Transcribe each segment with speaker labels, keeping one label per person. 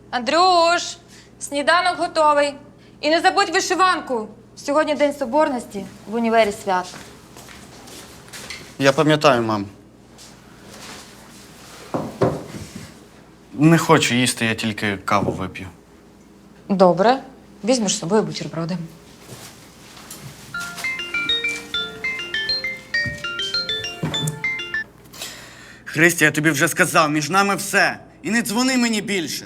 Speaker 1: Андрюш, сніданок готовий. І не забудь вишиванку. Сьогодні День Соборності, в універі свято.
Speaker 2: Я пам'ятаю, мам. Не хочу їсти, я тільки каву вип'ю.
Speaker 1: Добре. Візьмеш з собою бутерброди.
Speaker 2: Христя, я тобі вже сказав, між нами все. І не дзвони мені більше.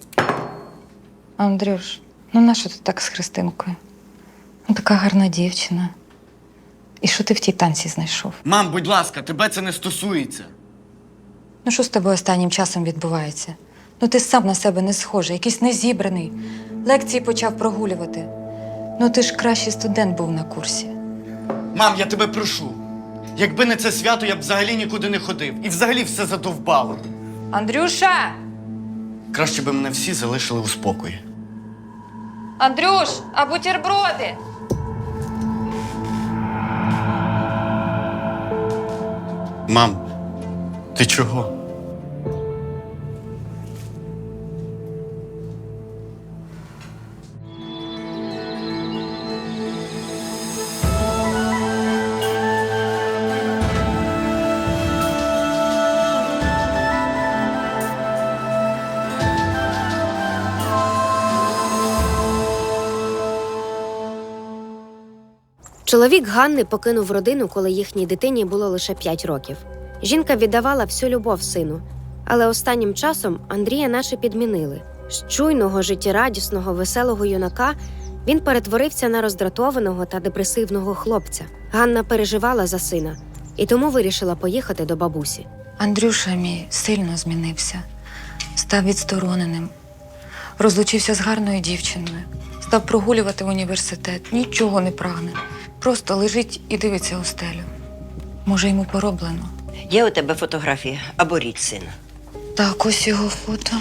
Speaker 1: Андрюш, ну нащо ти так з Христинкою? Ну, така гарна дівчина. І що ти в тій танці знайшов?
Speaker 2: Мам, будь ласка, тебе це не стосується.
Speaker 1: Ну що з тобою останнім часом відбувається? Ну ти сам на себе не схожий, якийсь незібраний. Лекції почав прогулювати. Ну ти ж кращий студент був на курсі.
Speaker 2: Мам, я тебе прошу. Якби не це свято, я б взагалі нікуди не ходив. І взагалі все задовбало.
Speaker 1: Андрюша!
Speaker 2: Краще би мене всі залишили у спокої.
Speaker 1: Андрюш, а бутерброди?
Speaker 2: Мам, ти чого?
Speaker 3: Чоловік Ганни покинув родину, коли їхній дитині було лише 5 років. Жінка віддавала всю любов сину, але останнім часом Андрія наче підмінили. З чуйного, життєрадісного, веселого юнака він перетворився на роздратованого та депресивного хлопця. Ганна переживала за сина і тому вирішила поїхати до бабусі.
Speaker 1: Андрюша мій сильно змінився. Став відстороненим. Розлучився з гарною дівчиною. Став прогулювати в університет. Нічого не прагне. Просто лежить і дивиться у стелю. Може, йому пороблено.
Speaker 4: Є у тебе фотографії або річ сина?
Speaker 1: Так, ось його фото.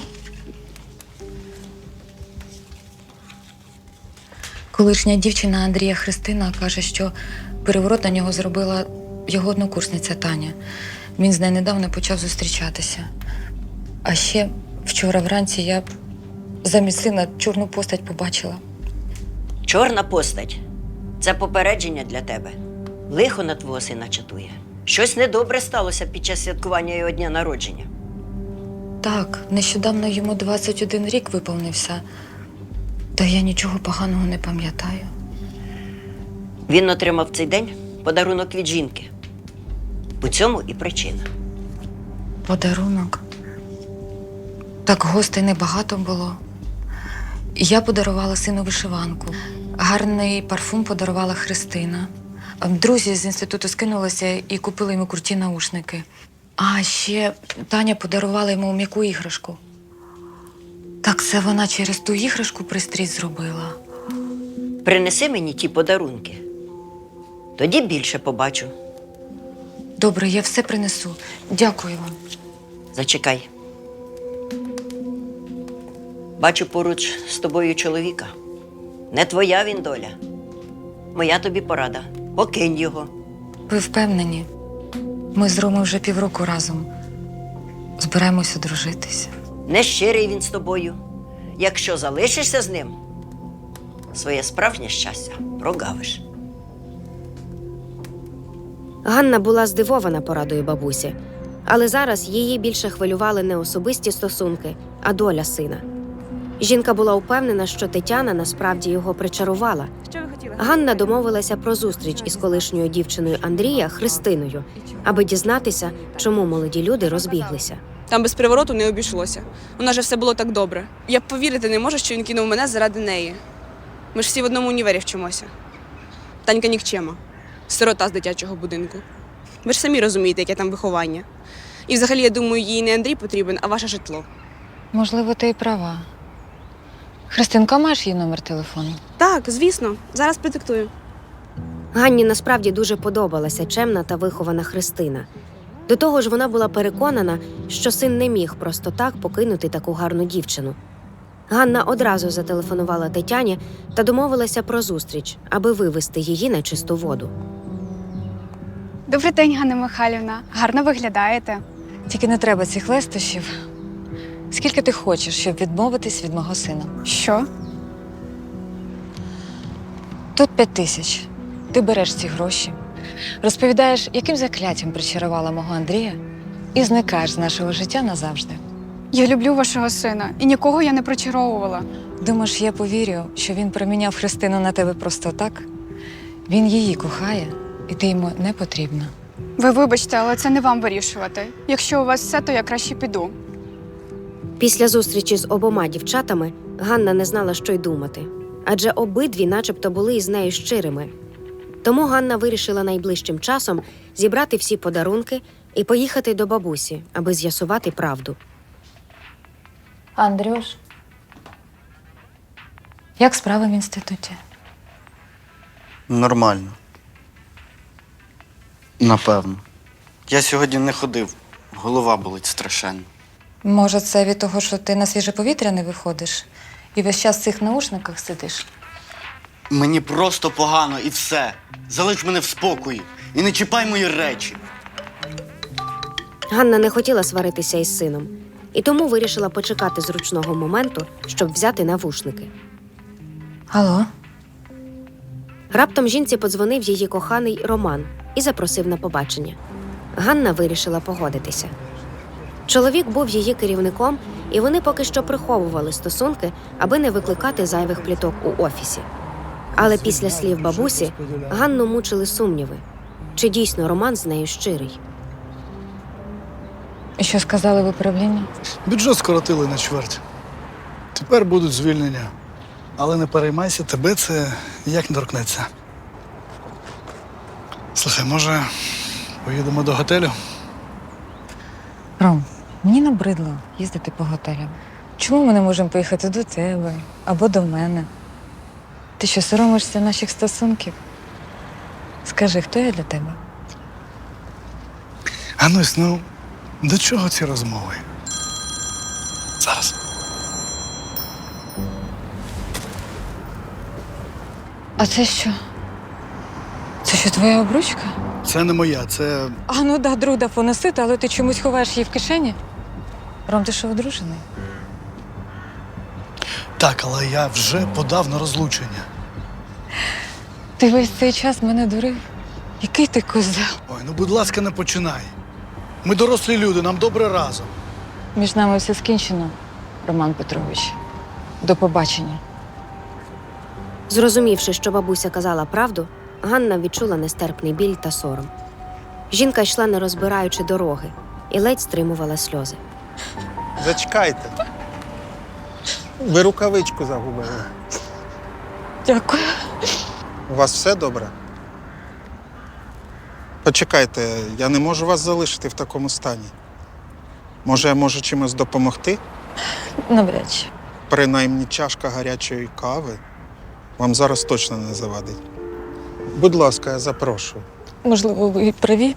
Speaker 1: Колишня дівчина Андрія Христина каже, що переворот на нього зробила його однокурсниця Таня. Він з нею недавно почав зустрічатися. А ще вчора вранці я замість сина чорну постать побачила.
Speaker 4: Чорна постать – це попередження для тебе. Лихо на твого сина чатує. Щось недобре сталося під час святкування його дня народження.
Speaker 1: Так, нещодавно йому 21 рік виповнився. Та я нічого поганого не пам'ятаю.
Speaker 4: Він отримав в цей день подарунок від жінки. У цьому і причина.
Speaker 1: Подарунок? Так гостей небагато було. Я подарувала сину вишиванку. Гарний парфум подарувала Христина. Друзі з інституту скинулися і купили йому круті наушники. А ще Таня подарувала йому м'яку іграшку. Так це вона через ту іграшку пристрій зробила.
Speaker 4: Принеси мені ті подарунки. Тоді більше побачу.
Speaker 1: Добре, я все принесу. Дякую вам.
Speaker 4: Зачекай. Бачу поруч з тобою чоловіка. Не твоя він доля. Моя тобі порада. Покинь його.
Speaker 1: Ви впевнені? Ми з Ромою вже півроку разом. Збираємося дружитися.
Speaker 4: Нещирий він з тобою. Якщо залишишся з ним, своє справжнє щастя прогавиш.
Speaker 3: Ганна була здивована порадою бабусі, але зараз її більше хвилювали не особисті стосунки, а доля сина. Жінка була упевнена, що Тетяна насправді його причарувала. Ганна домовилася про зустріч із колишньою дівчиною Андрія Христиною, аби дізнатися, чому молоді люди розбіглися.
Speaker 5: Там без привороту не обійшлося. У нас же все було так добре. Я б повірити не можу, що він кинув мене заради неї. Ми ж всі в одному універі вчимося. Танька нікчема. Сирота з дитячого будинку. Ви ж самі розумієте, яке там виховання. І взагалі, я думаю, їй не Андрій потрібен, а ваше житло.
Speaker 1: Можливо, ти і права. Христинка, маєш її номер телефону?
Speaker 5: Так, звісно. Зараз продиктую.
Speaker 3: Ганні насправді дуже подобалася чемна та вихована Христина. До того ж, вона була переконана, що син не міг просто так покинути таку гарну дівчину. Ганна одразу зателефонувала Тетяні та домовилася про зустріч, аби вивести її на чисту воду.
Speaker 6: Добрий день, Ганна Михайлівна. Гарно виглядаєте.
Speaker 1: Тільки не треба цих лестощів. Скільки ти хочеш, щоб відмовитись від мого сина?
Speaker 6: Що?
Speaker 1: Тут 5 тисяч. Ти береш ці гроші, розповідаєш, яким закляттям причарувала мого Андрія, і зникаєш з нашого життя назавжди.
Speaker 6: Я люблю вашого сина, і нікого я не причаровувала.
Speaker 1: Думаєш, я повірю, що він проміняв Христину на тебе просто так? Він її кохає, і ти йому не потрібна.
Speaker 6: Ви вибачте, але це не вам вирішувати. Якщо у вас все, то я краще піду.
Speaker 3: Після зустрічі з обома дівчатами Ганна не знала, що й думати, адже обидві начебто були із нею щирими. Тому Ганна вирішила найближчим часом зібрати всі подарунки і поїхати до бабусі, аби з'ясувати правду.
Speaker 1: Андрюш, як справи в інституті?
Speaker 2: Нормально. Напевно. Я сьогодні не ходив. Голова болить страшенно.
Speaker 1: Може, це від того, що ти на свіже повітря не виходиш і весь час в цих наушниках сидиш?
Speaker 2: Мені просто погано і все. Залиш мене в спокої і не чіпай мої речі.
Speaker 3: Ганна не хотіла сваритися із сином, і тому вирішила почекати зручного моменту, щоб взяти навушники.
Speaker 1: Алло?
Speaker 3: Раптом жінці подзвонив її коханий Роман і запросив на побачення. Ганна вирішила погодитися. Чоловік був її керівником, і вони поки що приховували стосунки, аби не викликати зайвих пліток у офісі. Але після слів бабусі Ганну мучили сумніви. Чи дійсно Роман з нею щирий?
Speaker 1: І що сказали в управлінні?
Speaker 7: Бюджет скоротили на чверть. Тепер будуть звільнення. Але не переймайся, тебе це ніяк не торкнеться. Слухай, може, поїдемо до готелю?
Speaker 1: Ром, мені набридло їздити по готелям. Чому ми не можемо поїхати до тебе або до мене? Ти що, соромишся наших стосунків? Скажи, хто я для тебе?
Speaker 7: Ганусь, ну, до чого ці розмови? Зараз.
Speaker 1: А це що? Це що, твоя обручка?
Speaker 7: Це не моя, це
Speaker 1: А ну да, друда поносити, але ти чомусь ховаєш її в кишені? Ром, ти що, одружений?
Speaker 7: так, але я вже подав на розлучення.
Speaker 1: Ти весь цей час мене дурив. Який ти козел?
Speaker 7: Ой, ну будь ласка, не починай. Ми дорослі люди, нам добре разом.
Speaker 1: Між нами все скінчено, Роман Петрович. До побачення.
Speaker 3: Зрозумівши, що бабуся казала правду, Ганна відчула нестерпний біль та сором. Жінка йшла, не розбираючи дороги, і ледь стримувала сльози.
Speaker 8: Зачекайте. Ви рукавичку загубили.
Speaker 1: Дякую.
Speaker 8: У вас все добре? Почекайте, я не можу вас залишити в такому стані. Може, я можу чимось допомогти?
Speaker 1: Навряд чи.
Speaker 8: Принаймні чашка гарячої кави вам зараз точно не завадить. Будь ласка, я запрошую.
Speaker 1: Можливо, ви і праві.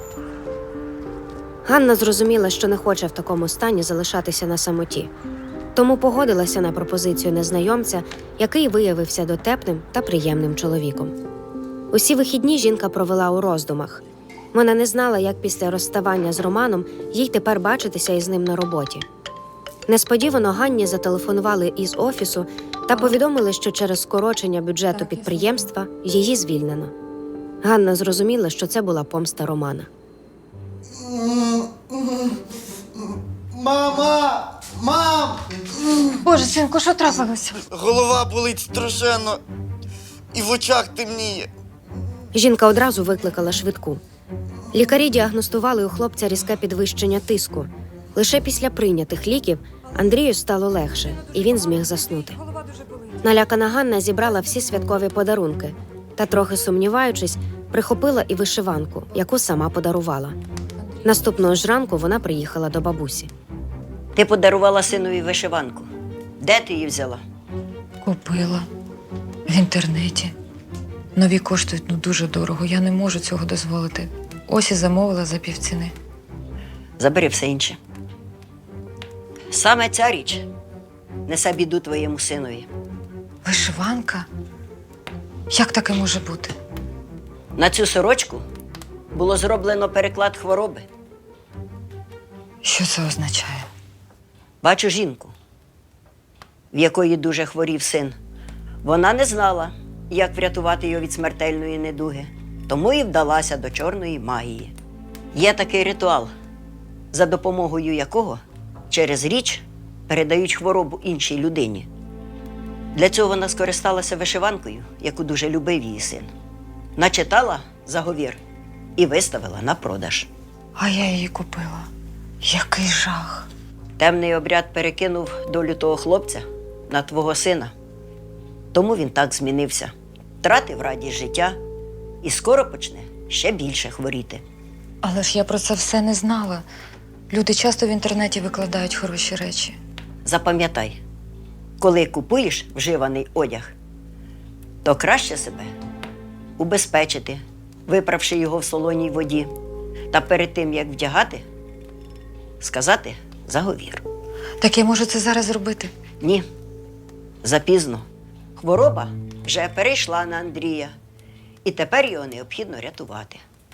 Speaker 3: Ганна зрозуміла, що не хоче в такому стані залишатися на самоті. Тому погодилася на пропозицію незнайомця, який виявився дотепним та приємним чоловіком. Усі вихідні жінка провела у роздумах. Вона не знала, як після розставання з Романом їй тепер бачитися із ним на роботі. Несподівано Ганні зателефонували із офісу та повідомили, що через скорочення бюджету підприємства її звільнено. Ганна зрозуміла, що це була помста Романа.
Speaker 2: Мама! Мам!
Speaker 1: Боже, синку, що трапилося?
Speaker 2: Голова болить страшенно. І в очах темніє.
Speaker 3: Жінка одразу викликала швидку. Лікарі діагностували у хлопця різке підвищення тиску. Лише після прийнятих ліків Андрію стало легше, і він зміг заснути. Налякана Ганна зібрала всі святкові подарунки та, трохи сумніваючись, прихопила і вишиванку, яку сама подарувала. Наступного ж ранку вона приїхала до бабусі.
Speaker 4: Ти подарувала синові вишиванку. Де ти її взяла?
Speaker 1: Купила. В інтернеті. Нові коштують дуже дорого. Я не можу цього дозволити. Ось і замовила за півціни.
Speaker 4: Забери все інше. Саме ця річ несе біду твоєму синові.
Speaker 1: Вишиванка? Як таке може бути?
Speaker 4: На цю сорочку було зроблено переклад хвороби.
Speaker 1: Що це означає?
Speaker 4: Бачу жінку, в якої дуже хворів син. Вона не знала, як врятувати його від смертельної недуги, тому і вдалася до чорної магії. Є такий ритуал, за допомогою якого через річ передають хворобу іншій людині. Для цього вона скористалася вишиванкою, яку дуже любив її син. Начитала заговір і виставила на продаж.
Speaker 1: А я її купила. Який жах.
Speaker 4: Темний обряд перекинув долю того хлопця на твого сина. Тому він так змінився, втратив радість життя і скоро почне ще більше хворіти.
Speaker 1: Але ж я про це все не знала. Люди часто в інтернеті викладають хороші речі.
Speaker 4: Запам'ятай, коли купуєш вживаний одяг, то краще себе убезпечити, виправши його в солоній воді, та перед тим, як вдягати, сказати заговір.
Speaker 1: Так я можу це зараз зробити?
Speaker 4: Ні, запізно. Хвороба вже перейшла на Андрія, і тепер його необхідно рятувати.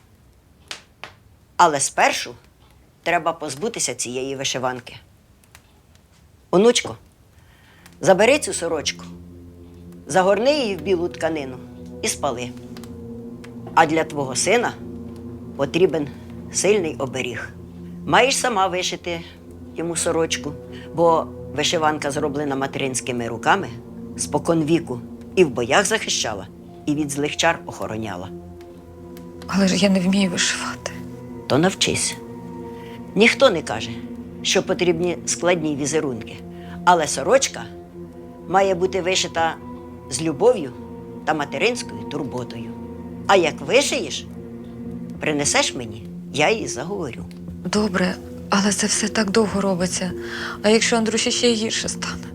Speaker 4: Але спершу треба позбутися цієї вишиванки. Онучко, забери цю сорочку, загорни її в білу тканину і спали. А для твого сина потрібен сильний оберіг. Маєш сама вишити йому сорочку, бо вишиванка зроблена материнськими руками споконвіку і в боях захищала, і від злих чар охороняла.
Speaker 1: Але ж я не вмію вишивати.
Speaker 4: То навчись. Ніхто не каже, що потрібні складні візерунки, але сорочка має бути вишита з любов'ю та материнською турботою. А як вишиєш, принесеш мені, я її заговорю.
Speaker 1: Добре, але це все так довго робиться. А якщо Андрюші ще й гірше стане?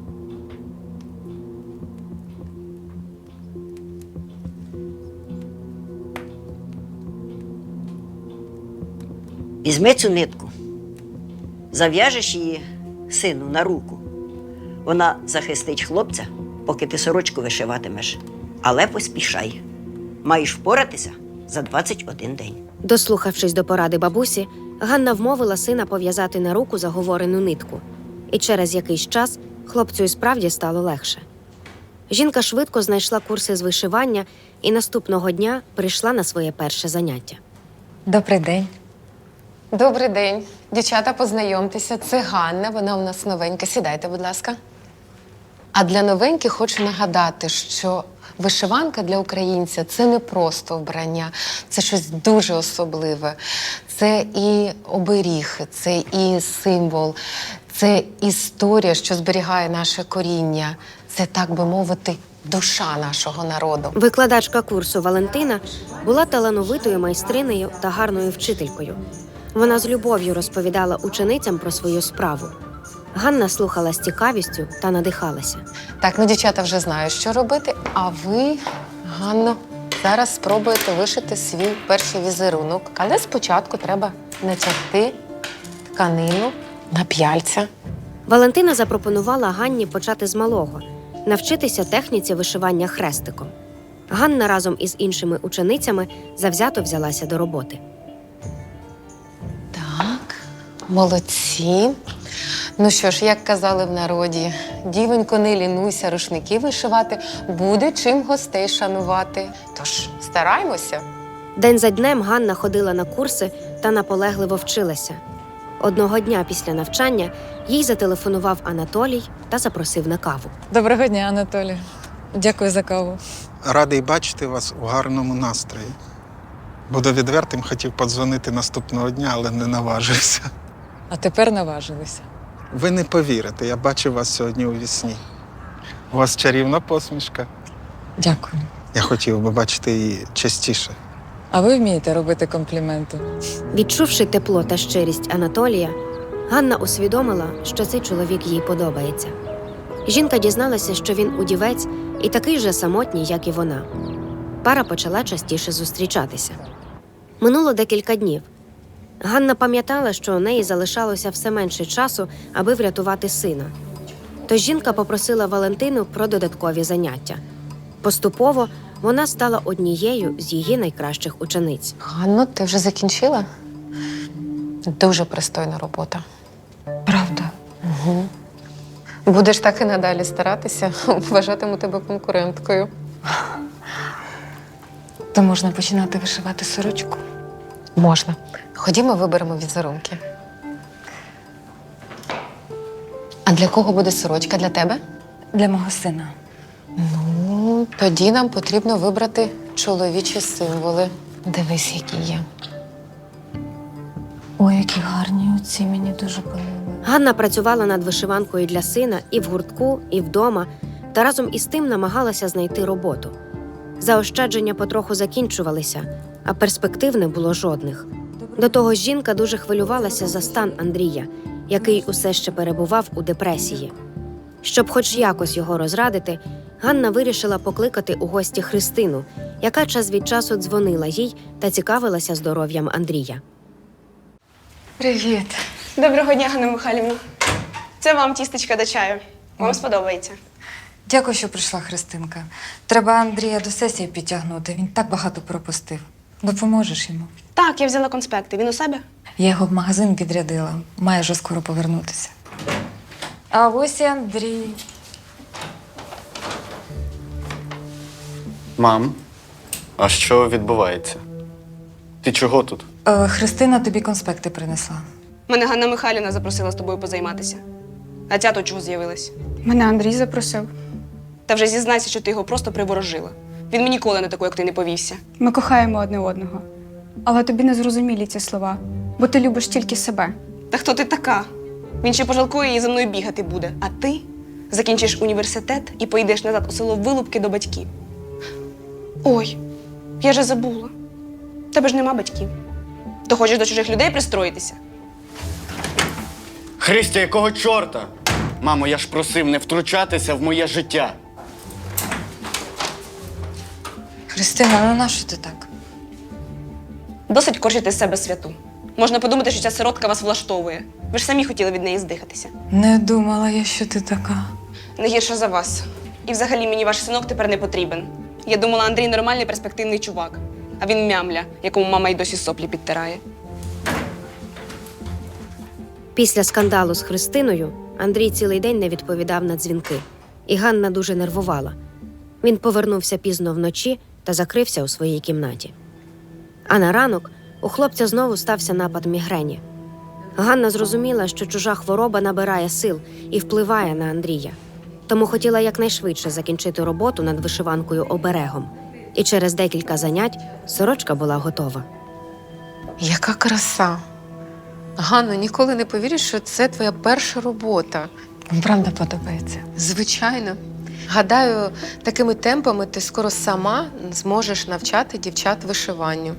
Speaker 4: Візьми цю нитку, зав'яжеш її сину на руку. Вона захистить хлопця, поки ти сорочку вишиватимеш. Але поспішай. Маєш впоратися за 21 день.
Speaker 3: Дослухавшись до поради бабусі, Ганна вмовила сина пов'язати на руку заговорену нитку. І через якийсь час хлопцю і справді стало легше. Жінка швидко знайшла курси з вишивання і наступного дня прийшла на своє перше заняття.
Speaker 1: Добрий день.
Speaker 9: Добрий день. Дівчата, познайомтеся. Це Ганна, вона у нас новенька. Сідайте, будь ласка. А для новеньких хочу нагадати, що вишиванка для українця – це не просто вбрання, це щось дуже особливе. Це і оберіг, це і символ, це історія, що зберігає наше коріння. Це, так би мовити, душа нашого народу.
Speaker 3: Викладачка курсу Валентина була талановитою майстринею та гарною вчителькою. Вона з любов'ю розповідала ученицям про свою справу. Ганна слухала з цікавістю та надихалася.
Speaker 9: Так, ну дівчата вже знають, що робити. А ви, Ганно, зараз спробуєте вишити свій перший візерунок. Але спочатку треба натягти тканину на п'яльця.
Speaker 3: Валентина запропонувала Ганні почати з малого – навчитися техніці вишивання хрестиком. Ганна разом із іншими ученицями завзято взялася до роботи.
Speaker 9: Так, молодці. Ну що ж, як казали в народі, дівонько, не лінуйся, рушники вишивати, буде чим гостей шанувати. Тож стараймося.
Speaker 3: День за днем Ганна ходила на курси та наполегливо вчилася. Одного дня після навчання їй зателефонував Анатолій та запросив на каву.
Speaker 10: Доброго дня, Анатолій. Дякую за каву.
Speaker 8: Радий бачити вас у гарному настрої. Буду відвертим, хотів подзвонити наступного дня, але не наважився.
Speaker 10: А тепер наважилися.
Speaker 8: Ви не повірите, я бачив вас сьогодні у вісні. У вас чарівна посмішка.
Speaker 10: Дякую.
Speaker 8: Я хотів би бачити її частіше.
Speaker 10: А ви вмієте робити компліменти?
Speaker 3: Відчувши тепло та щирість Анатолія, Ганна усвідомила, що цей чоловік їй подобається. Жінка дізналася, що він удівець і такий же самотній, як і вона. Пара почала частіше зустрічатися. Минуло декілька днів. Ганна пам'ятала, що у неї залишалося все менше часу, аби врятувати сина. Тож жінка попросила Валентину про додаткові заняття. Поступово вона стала однією з її найкращих учениць.
Speaker 9: Ганно, ти вже закінчила? Дуже пристойна робота.
Speaker 1: Правда?
Speaker 9: Угу. Будеш так і надалі старатися, вважатиму тебе конкуренткою.
Speaker 1: То можна починати вишивати сорочку.
Speaker 9: Можна. Ходімо, виберемо візерунки. А для кого буде сорочка? Для тебе?
Speaker 1: Для мого сина.
Speaker 9: Ну, тоді нам потрібно вибрати чоловічі символи. Дивись, які є.
Speaker 1: Ой, які гарні оці, мені дуже подобаються.
Speaker 3: Ганна працювала над вишиванкою для сина і в гуртку, і вдома, та разом із тим намагалася знайти роботу. Заощадження потроху закінчувалися, а перспектив не було жодних. До того ж, жінка дуже хвилювалася за стан Андрія, який усе ще перебував у депресії. Щоб хоч якось його розрадити, Ганна вирішила покликати у гості Христину, яка час від часу дзвонила їй та цікавилася здоров'ям Андрія.
Speaker 5: Привіт. Доброго дня, Ганна Михайлівна. Це вам тістечка до чаю. Вам сподобається.
Speaker 1: Дякую, що прийшла, Христинка. Треба Андрія до сесії підтягнути. Він так багато пропустив. Допоможеш йому?
Speaker 5: Так, я взяла конспекти. Він у себе?
Speaker 1: Я його в магазин відрядила. Має вже скоро повернутися. А ось і Андрій.
Speaker 2: Мам, а що відбувається? Ти чого тут?
Speaker 1: Христина тобі конспекти принесла.
Speaker 5: Мене Ганна Михайлівна запросила з тобою позайматися. А ця тут чого з'явилась?
Speaker 6: Мене Андрій запросив.
Speaker 5: Та вже зізнайся, що ти його просто приворожила. Він мені ніколи на таку, як ти, не повівся.
Speaker 6: Ми кохаємо одне одного. Але тобі не зрозумілі ці слова, бо ти любиш тільки себе.
Speaker 5: Та хто ти така? Він ще пожалкує і за мною бігати буде. А ти закінчиш університет і поїдеш назад у село Вилупки до батьків. Ой, я же забула. В тебе ж нема батьків. То хочеш до чужих людей пристроїтися?
Speaker 2: Христя, якого чорта? Мамо, я ж просив не втручатися в моє життя.
Speaker 1: Христина, ну нащо ти так?
Speaker 5: Досить корчити з себе святу. Можна подумати, що ця сиротка вас влаштовує. Ви ж самі хотіли від неї здихатися.
Speaker 1: Не думала я, що ти така.
Speaker 5: Не гірше за вас. І взагалі мені ваш синок тепер не потрібен. Я думала, Андрій нормальний перспективний чувак. А він мямля, якому мама й досі соплі підтирає.
Speaker 3: Після скандалу з Христиною Андрій цілий день не відповідав на дзвінки, і Ганна дуже нервувала. Він повернувся пізно вночі та закрився у своїй кімнаті. А на ранок у хлопця знову стався напад мігрені. Ганна зрозуміла, що чужа хвороба набирає сил і впливає на Андрія. Тому хотіла якнайшвидше закінчити роботу над вишиванкою оберегом. І через декілька занять сорочка була готова.
Speaker 9: Яка краса! Ганно, ніколи не повіриш, що це твоя перша робота.
Speaker 10: Правда подобається.
Speaker 9: Звичайно. Гадаю, такими темпами ти скоро сама зможеш навчати дівчат вишиванню.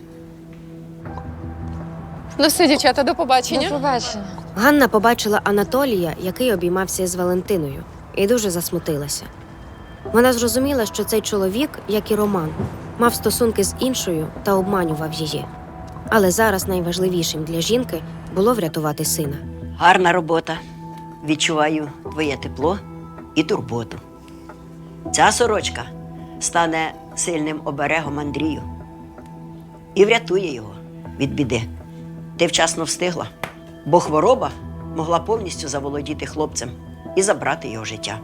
Speaker 9: Ну все, дівчата, до побачення.
Speaker 10: До побачення.
Speaker 3: Ганна побачила Анатолія, який обіймався із Валентиною, і дуже засмутилася. Вона зрозуміла, що цей чоловік, як і Роман, мав стосунки з іншою та обманював її. Але зараз найважливішим для жінки було врятувати сина.
Speaker 4: Гарна робота. Відчуваю твоє тепло і турботу. Ця сорочка стане сильним оберегом Андрію і врятує його від біди. Ти вчасно встигла, бо хвороба могла повністю заволодіти хлопцем і забрати його життя.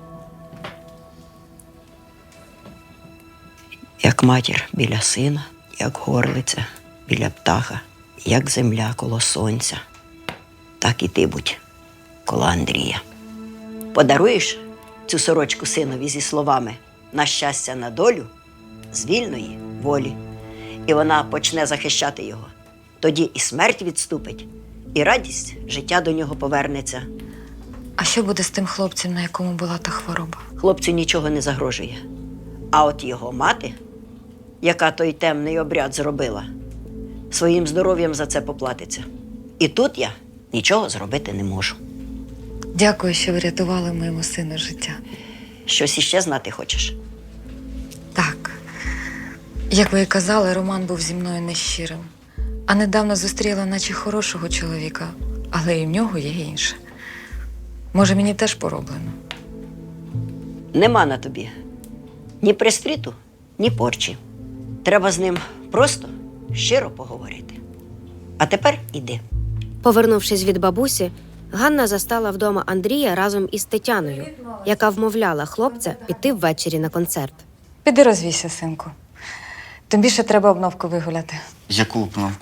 Speaker 4: Як матір біля сина, як горлиця біля птаха, як земля коло сонця, так і ти будь коло Андрія. Подаруєш цю сорочку синові зі словами «на щастя, на долю» з вільної волі, і вона почне захищати його. Тоді і смерть відступить, і радість життя до нього повернеться.
Speaker 1: А що буде з тим хлопцем, на якому була та хвороба?
Speaker 4: Хлопцю нічого не загрожує. А от його мати, яка той темний обряд зробила, своїм здоров'ям за це поплатиться. І тут я нічого зробити не можу.
Speaker 1: Дякую, що врятували моєму сину життя.
Speaker 4: Щось іще знати хочеш?
Speaker 1: Так. Як ви і казали, Роман був зі мною нещирим. А недавно зустріла наче хорошого чоловіка, але і в нього є інше. Може, мені теж пороблено?
Speaker 4: Нема на тобі ні пристріту, ні порчі. Треба з ним просто щиро поговорити. А тепер іди.
Speaker 3: Повернувшись від бабусі, Ганна застала вдома Андрія разом із Тетяною, яка вмовляла хлопця піти ввечері на концерт.
Speaker 1: Піди розвійся, синку. Тобі ще треба обновку вигуляти.
Speaker 2: Яку обновку?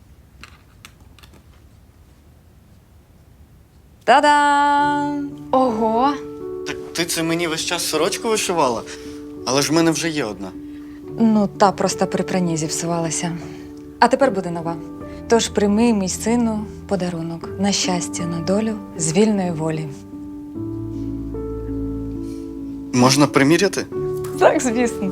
Speaker 1: Та-дам!
Speaker 6: Ого!
Speaker 2: Так ти це мені весь час сорочку вишивала? Але ж в мене вже є одна.
Speaker 1: Ну, та просто при пранні зіпсувалася. А тепер буде нова. Тож прийми, мій сину, подарунок на щастя, на долю з вільної волі.
Speaker 2: Можна приміряти?
Speaker 1: Так, звісно.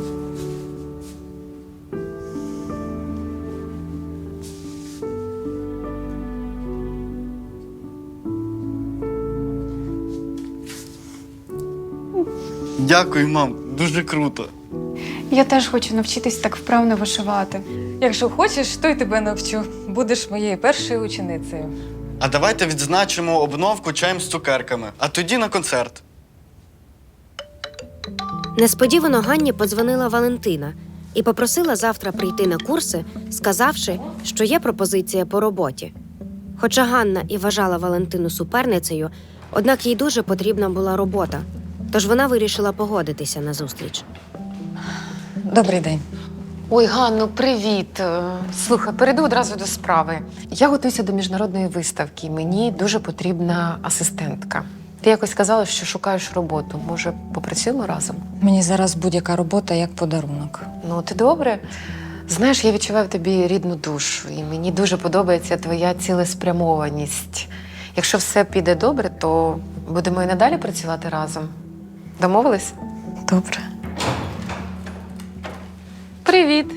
Speaker 2: Дякую, мам. Дуже круто.
Speaker 6: Я теж хочу навчитись так вправно вишивати.
Speaker 1: Якщо хочеш, то й тебе навчу. Будеш моєю першою ученицею.
Speaker 2: А давайте відзначимо обновку чаєм з цукерками, а тоді на концерт.
Speaker 3: Несподівано Ганні подзвонила Валентина і попросила завтра прийти на курси, сказавши, що є пропозиція по роботі. Хоча Ганна і вважала Валентину суперницею, однак їй дуже потрібна була робота, тож вона вирішила погодитися на зустріч.
Speaker 1: Добрий день.
Speaker 9: Ой, Ганно, привіт. Слухай, перейду одразу до справи. Я готуюся до міжнародної виставки. Мені дуже потрібна асистентка. Ти якось сказала, що шукаєш роботу. Може, попрацюємо разом?
Speaker 1: Мені зараз будь-яка робота як подарунок.
Speaker 9: Ну, ти добре. Знаєш, я відчуваю в тобі рідну душу, і мені дуже подобається твоя цілеспрямованість. Якщо все піде добре, то будемо і надалі працювати разом. Домовились?
Speaker 1: Добре.
Speaker 9: Привіт!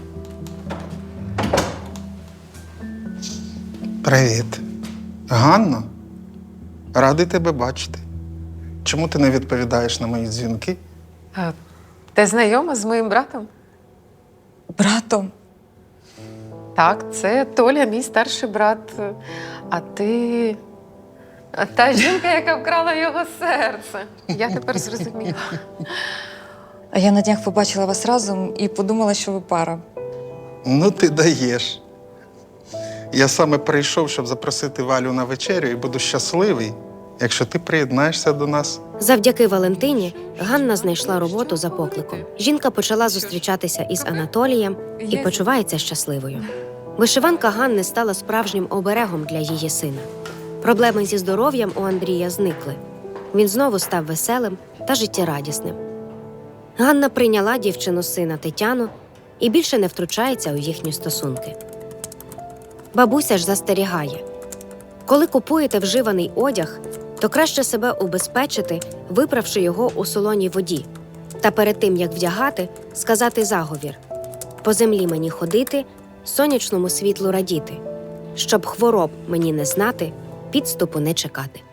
Speaker 8: Привіт. Ганно, радий тебе бачити. Чому ти не відповідаєш на мої дзвінки?
Speaker 9: Ти знайома з моїм братом?
Speaker 1: Братом.
Speaker 9: Так, це Толя, мій старший брат. А ти. Та жінка, яка вкрала його серце. Я тепер зрозуміла.
Speaker 1: А я на днях побачила вас разом і подумала, що ви пара.
Speaker 8: Ну, ти даєш. Я саме прийшов, щоб запросити Валю на вечерю, і буду щасливий, якщо ти приєднаєшся до нас.
Speaker 3: Завдяки Валентині Ганна знайшла роботу за покликом. Жінка почала зустрічатися із Анатолієм і почувається щасливою. Вишиванка Ганни стала справжнім оберегом для її сина. Проблеми зі здоров'ям у Андрія зникли. Він знову став веселим та життєрадісним. Ганна прийняла дівчину сина Тетяну і більше не втручається у їхні стосунки. Бабуся ж застерігає: коли купуєте вживаний одяг, то краще себе убезпечити, виправши його у солоній воді. Та перед тим, як вдягати, сказати заговір: по землі мені ходити, сонячному світлу радіти, щоб хвороб мені не знати, підступу не чекати.